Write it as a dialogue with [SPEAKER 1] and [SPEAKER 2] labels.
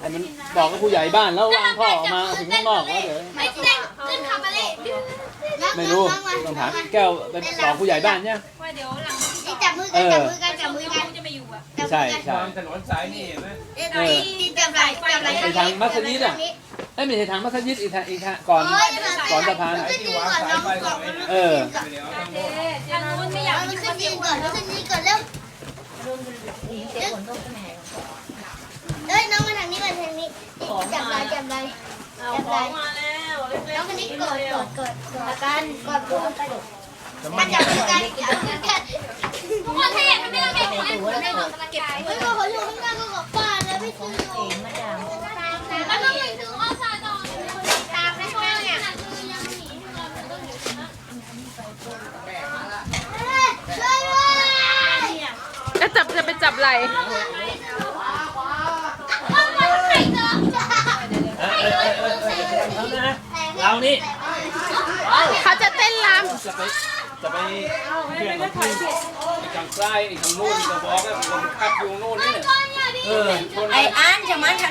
[SPEAKER 1] ให้มันบอกกับผู้ใหญ่บ้านแล้ววางท่อออกมาถึงข้างนอกว่าเดี๋ยว
[SPEAKER 2] ไม่เต้นขึ้นขับมาเลย
[SPEAKER 1] ไม่รู้ต้องถามแก้วไปบอกผู้ใหญ่บ้านเนี่ย
[SPEAKER 3] ว่าเดี๋ยวหลัง
[SPEAKER 2] นี่จับมือกันจับมือกันจับมือกัน
[SPEAKER 3] จะมาอยู่อ่ะ
[SPEAKER 1] ใช่ใช่
[SPEAKER 4] ถนนสายนี่เห็นไหม
[SPEAKER 2] จับไหล่จับไหล่
[SPEAKER 1] ไอ้ทางมัสยิดอ่ะไอ้ไม่ใช่ทางมัสยิดอีกทางก่อนสะพาน
[SPEAKER 2] ขึ้นยืนก่อนน้องก่อน
[SPEAKER 1] เออ
[SPEAKER 4] เดี๋ยวทั้งหมด
[SPEAKER 3] ทางนู้นไม่อยาก
[SPEAKER 2] มันขึ้นยืนก่อนขึ้นยืนก่อนเร็วเอ้ยน้องมาทางนี้มาทางนี้จับไหล่จับไหล่จับไหล่
[SPEAKER 3] มาแล้วเล็ก
[SPEAKER 2] น้องคนนี้กดกันกดมือกันจับมือกันจับมือกันทุกคนถ้าอยากทำให้เราแข็งแรงคุณได้ออกกำลังกายไม่บอกเขาอยู่ข้างหน้าก็กับป้าแล้วพี่ซื้ออยู่แล้วก็ไปซื้อข้าวสารต่อตามไม่ช่วยเนี่ยช่วยด้วย
[SPEAKER 5] ก็จะไปจับไหล
[SPEAKER 1] เรานี่
[SPEAKER 5] เขาจะเต้นร
[SPEAKER 1] จะไปเปลี่ยนกับที่ทางซ้ายทางโน้นจะบอกแล้วผมคัดอยู่โน่นนี่
[SPEAKER 2] ไอ้อันจะมา